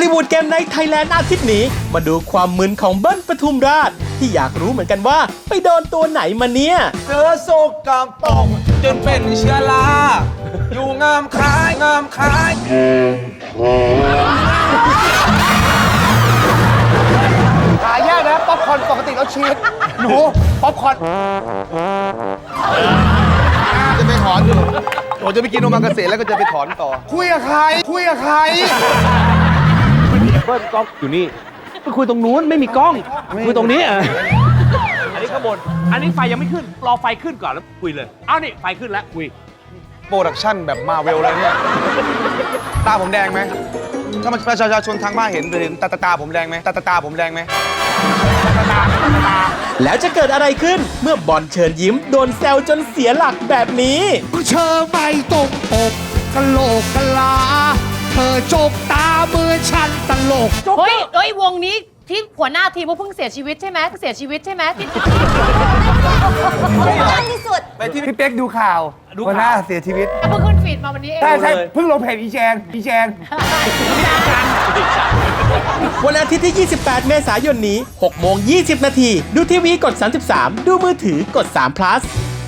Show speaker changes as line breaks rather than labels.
ลิวูดเกมไนท์ไทยแลนด์อาทิตย์นี้มาดูความมึนของเบิ้ลปทุมราชที่อยากรู้เหมือนกันว่าไปโดนตัวไหนมาเนี่ย
เสือโศกกำปองจนเป็นเชื้อราอยู่งามคล้ายงามคล้าย
หายากนะป๊อปคอร์นปกติเราชีสหนูป๊อปคอร์นจะไปถอนอยู่ผมจะไปกินโอมากาเสะแล้วก็จะไปถอนต่อคุยกับใครคุยกับใคร
เบิ้ลกล้องอยู่นี่ไปคุยตรงนู้นไม่มีกล้องคุยตรงนี้อันนี้ข้างบนอันนี้ไฟยังไม่ขึ้นรอไฟขึ้นก่อนแล้วคุยเลยอ้าวนี่ไฟขึ้นแล้วคุย
โปรดักชั่นแบบมาเวลเลยเนี่ยตาผมแดงไหมถ้ามันประชาชนทางบ้านเห็นตาผมแดงไหมตาผมแดงไหม
แล้วจะเกิดอะไรขึ้นเมื่อบอลเชิญยิ้มโดนแซวจนเสียหลักแบบนี้
เธอไม่ตรงปกกะโหลกกะลา เธอจกตาเมื่อฉันตลก
เฮ้ยวงนี้ที่หัวหน้าทีมเพิ่งเสียชีวิตใช่ไหมเสียชีวิตใช่ไหมที่
ที่สุด
ไปที่พี่เป๊กดูข่าวหัวหน้าเสียชีวิต
เพิ่งขึ้นฟีดมาวันนี้เอง
ใช่เพิ่งลงเพจอีแจง
วันอาทิตย์ที่ 28 เมษายนนี้ 6:20 น. ดูทีวีกด 33 ดูมือถือกด3 plus